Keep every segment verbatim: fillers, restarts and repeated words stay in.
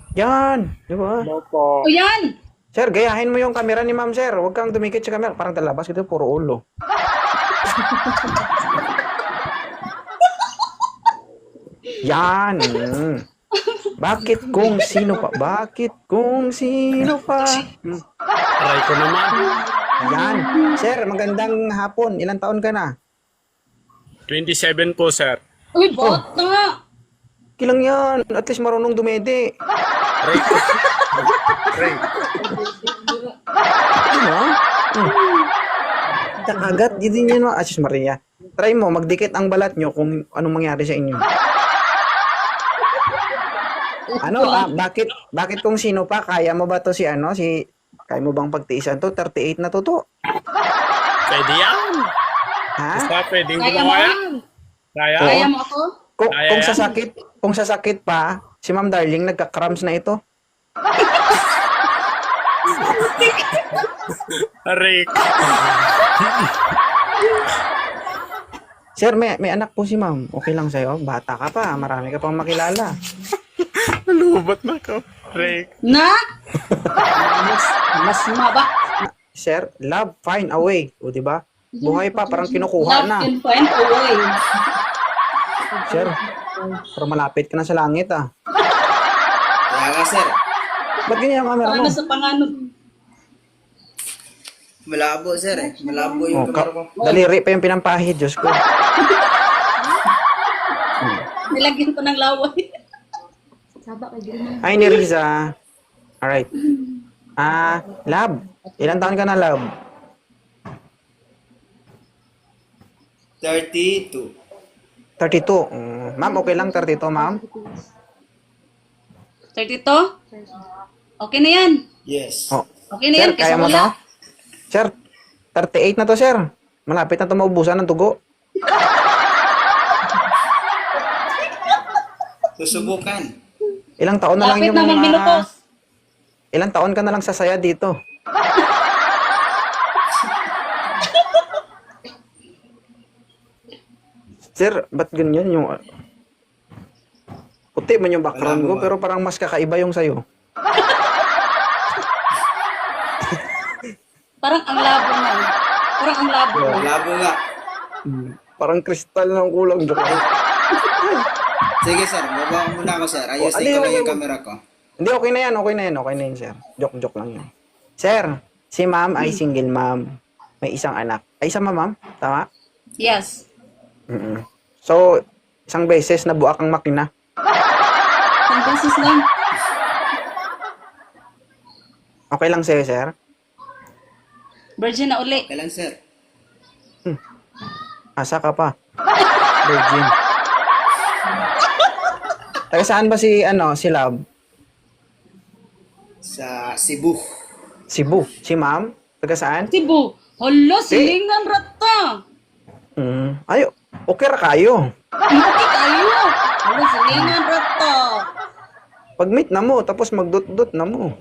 Yan, di ba? Hello po. O yan! Sir, gayahin mo yung camera ni ma'am, sir. Huwag kang dumikit sa camera. Parang talabas ito, puro ulo. Yan. mm. Bakit kung sino pa? Bakit kung sino pa? Hmm. Try ko naman. Yan. Sir, magandang hapon. Ilang taon ka na? twenty-seven po, sir. Uy, bata! Kilang yan. At least marunong dumede. Try ko. Try. Ano? Hmm. Agad, di din yun. Asus Maria. Try mo, magdikit ang balat nyo kung anong mangyari sa inyo. Ano, ah, bakit, bakit kung sino pa? Kaya mo ba to si ano, si, kaya mo bang pagtiisan to? thirty-eight na to to. Pwede yan. Ha? Basta pwedeng Kaya mo gumawa yan. yan! Kaya. Kaya mo ako? Kung, Kaya kung yan. sasakit, kung sasakit pa, si Ma'am Darling nagka-cramps na ito. Aray. Sir, may, may anak po si Ma'am. Okay lang sa'yo? Bata ka pa. Marami ka pang makilala. Nalubat na ko. Aray. Na? Mas, mas maba. Sir, love, find a way. O, di ba? Buhay pa, parang kinukuha Love na. can find a way. Sir, parang malapit ka na sa langit, ah. Kaya nga, sir. Ba't ganyan ang camera mo? Paano sa panganod? Malabo, sir eh. Malabo yung Oh, ka- kamera ko. daliri pa yung pinampahid, Diyos ko. Nilagyan ko ng laway. Hi, ni Riza. Alright. Ah, love. Ilan taon ka na, love? thirty-two. thirty-two. Mm, ma'am, okay lang thirty-two, ma'am? thirty-two? Okay na yan. Yes. Oh. Okay na Sir, yan. kaya Kasi mo to? wala. Sir, thirty-eight na to, sir. Malapit na to maubusan ng tugo. Susubukan. Ilang taon na lang Lapit yung na mga... magminutos. Ilang taon ka na lang sasaya dito. Sir, ba't ganyan yung... Puti man yung background Wala ko, mo ba? pero parang mas kakaiba yung sayo. Parang ang labo na. Parang ang labo na. Malabo nga. Parang kristal ng kulang. Joke. Sige, sir. Baba ko muna ako, sir. Oh, Ayusin ali, ko lang wag- yung wag- camera ko. Hindi, okay na yan, okay na yan, okay na yan, sir. Joke-joke lang yun. Sir, si ma'am ay single ma'am. May isang anak. Ay, isang ma'am? Tama? Yes. mm So, isang beses na buak ang makina. Isang beses lang. Okay lang sa'yo, sir? Virgin na uli. Okay lang, sir. Asa ka pa? Virgin. Taga saan ba si, ano, si Love? Sa Cebu. Cebu. Si ma'am? Taga saan? Cebu. Hala, silingan rata. Mm. Ay, okay ra kayo. Hindi kayo. Hala, silingan rata. Pag-meet na mo, tapos magdot-dot na mo.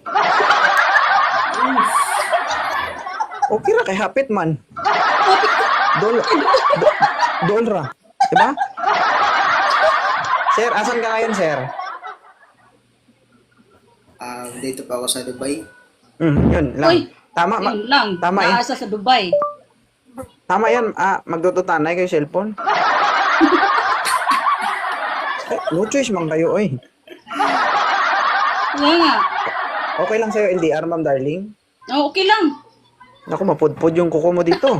Okay ra kay hapit man. Dol, do, dol ra. Diba? Sir, asan ka ngayon, sir? Ah, dito pa ako sa Dubai. Mm, yun lang. Uy, Tama, ma- Yun lang. tama eh. Naasa sa Dubai. Tama yan. Ah, magdututanay kayo cellphone. Eh, no choice man kayo, oy. Kaya nga. Okay lang sa'yo, L D R, ma'am darling. Oh, okay lang. Naku, mapudpud yung kuko mo dito.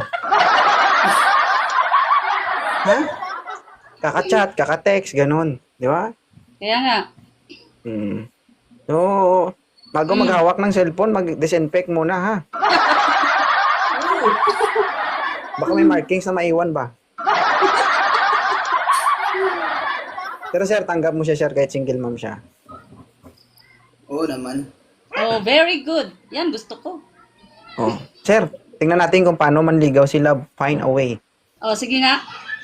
Ha? Kaka-chat, kaka-text, ganun. Di ba? Kaya nga. Hmm. So, bago maghawak ng cellphone, mag-disinfect muna, ha? Baka may markings na maiwan ba? Pero sir, tanggap mo siya, sir, kahit single mom siya. Oo naman. Oh, very good. Yan, gusto ko. Oh. Sir, tingnan natin kung paano manligaw si Love. Find a way. Oh, sige nga.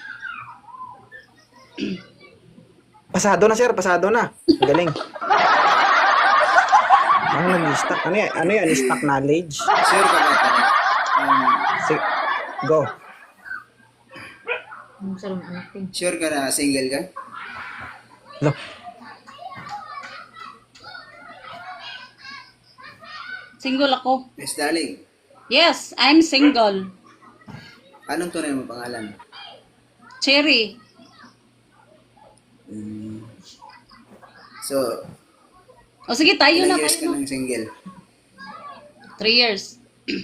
Pasado na, sir. Pasado na. Ang galing. Ano nag-stack? Ano yan? Ano yan? Stack knowledge? Sure ka ba? Tara? Um, Sige. Go. sure ka na single ka? Lo. Single ako. Miss Darling, Yes, I'm single. anong tunay mo pangalan? Cherry. So, O sige, tayo na ilang years ka tayo na. ng single? Three years.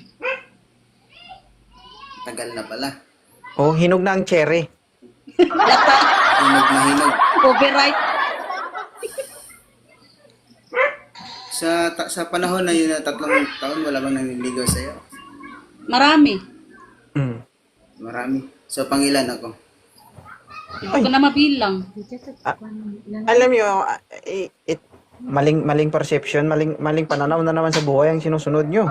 Tagal na pala. Oh, hinog na ang cherry. Lata. Hinog na hinog. Copyright. Sa ta- sa panahon na yun na tatlong taon, wala bang naniligaw sa'yo? Marami. Mm. Marami. So, pangilan ako. Hindi ko na mabilang. Alam niyo, ah, eh, it, maling maling perception, maling maling pananaw na naman sa buhay ang sinusunod niyo.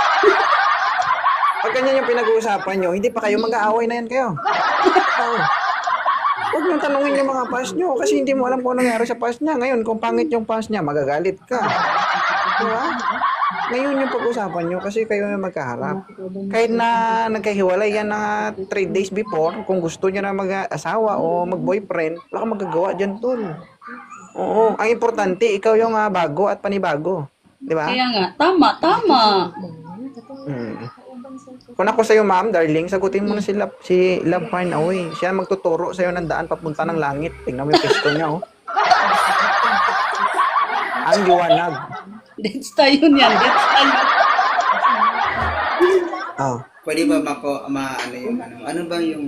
Pag ganyan yung pinag-uusapan niyo, hindi pa kayo mag-aaway na yan kayo. Oo. Huwag niyong tanungin yung mga past niyo kasi hindi mo alam kung ano nangyari sa past niya. Ngayon, kung pangit yung past niya, magagalit ka. Diba? Ngayon yung pag-usapan niyo kasi kayo yung magkaharap. Kahit na nagkahiwalay yan na three days before, kung gusto niya na mag-asawa o mag-boyfriend, wala kang magagawa dyan, tol. Oo. Ang importante, ikaw yung ah, bago at panibago. Diba? Kaya nga, tama, tama. Hmm. Kung ako sa'yo, ma'am, darling, sagutin mo na si Love, si Love Fine Away. Siya ang magtuturo sa'yo ng daan papunta ng langit. Tingnan mo yung pesto niya, oh. Ang liwanag. That's tayo niyan. That's tayo. Oh. Pwede ba mako, ma, ano yung, ano, ano ba yung,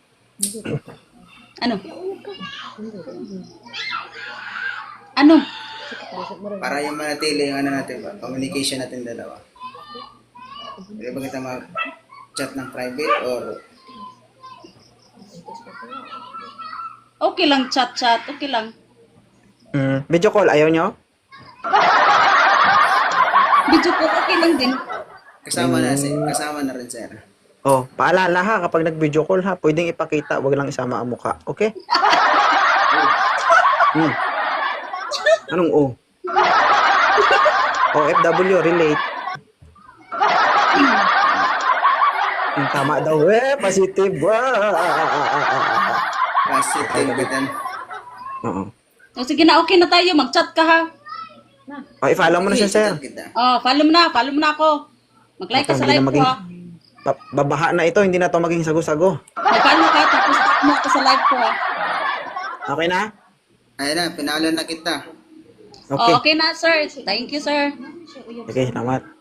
Ano? Ano? para yung manatili yung ano natin ba, communication natin dalawa. Pwede ba kita mag-chat ng private or Okay lang, chat-chat. Okay lang. Mm. Video call, ayaw nyo? Video ko, okay lang din. kasama na, si, kasama na rin, sir. Oh, paalala ha, kapag nag-video call ha, pwedeng ipakita, wag lang isama ang mukha. Okay? Hmm. Anong O? O F W, relate. Hmm, tama daw eh, positive. Ah, ah, ah, ah, ah, ah, ah. Positive bitan. Oo. O sige na, okay na tayo. Mag-chat ka ha. Oh, i-follow mo na siya, sir. Kita. Oh, follow mo na. Follow mo na ako. Mag-like ka Ito, sa hindi live na ko maging- ha. Ba- babaha na ito, hindi na to maging sago-sago. Mag-follow ka, tapos tag mo ako sa live ko ha. Okay na? Ayun na, pinalo na kita. Okay. Oh, okay na, sir. Thank you, sir. Okay, salamat.